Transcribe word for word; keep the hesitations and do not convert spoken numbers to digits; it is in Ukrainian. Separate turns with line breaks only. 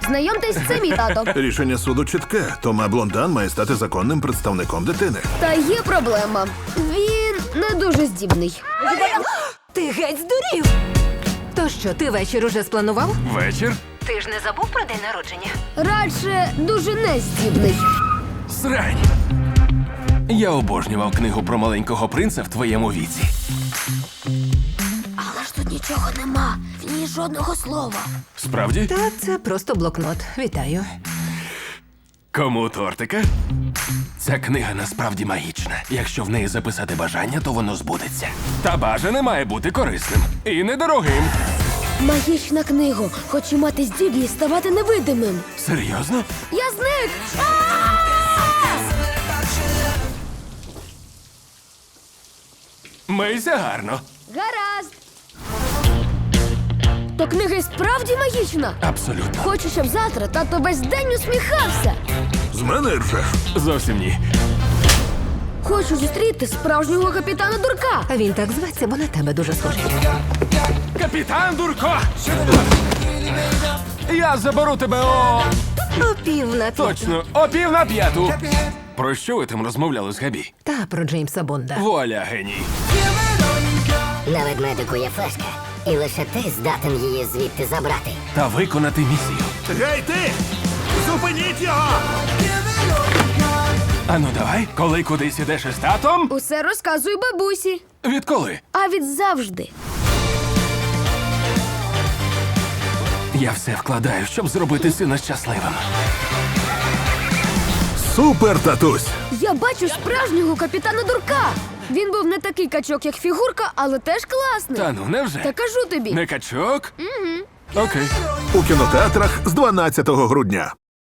Знайомтесь, це мій тато.
Рішення суду чітке. Тома Блондан має стати законним представником дитини.
Та є проблема. Він не дуже здібний.
Ти геть здурів! То що, ти вечір уже спланував?
Вечір?
Ти ж не забув про день народження?
Радше дуже нездібний.
Срань. Я обожнював книгу про маленького принца в твоєму віці.
Але ж тут нічого нема. В ній жодного слова.
Справді?
Та це просто блокнот. Вітаю.
Кому тортика? Ця книга насправді магічна. Якщо в неї записати бажання, то воно збудеться. Та бажане має бути корисним. І недорогим.
Магічна книга. Хочу мати здібність ставати невидимим.
Серйозно?
Я зник!
Мийся гарно.
Гаразд. То книга і справді магічна.
Абсолютно.
Хочу, щоб завтра тато весь день усміхався.
З мене ржеш.
Зовсім ні.
Хочу зустріти справжнього капітана Дурка.
А він так зветься, бо на тебе дуже схожий.
Капітан Дурко! Я заберу тебе о...
О пів на п'яту.
Точно, о пів на п'яту. Про що ви там розмовляли з Габі?
Та про Джеймса Бонда.
Вуаля, геній.
На ведмедику є флешка, і лише ти здатен її звідти забрати.
Та виконати місію.
Гей, ти! Зупиніть його!
Ану давай, коли кудись ідеш із татом?
Усе розказую бабусі.
Відколи?
А від завжди.
Я все вкладаю, щоб зробити сина щасливим.
Супер, татусь!
Я бачу справжнього капітана Дурка. Він був не такий качок, як фігурка, але теж класний.
Та ну, невже?
Та кажу тобі.
Не качок? Угу. Окей.
У кінотеатрах з дванадцятого грудня.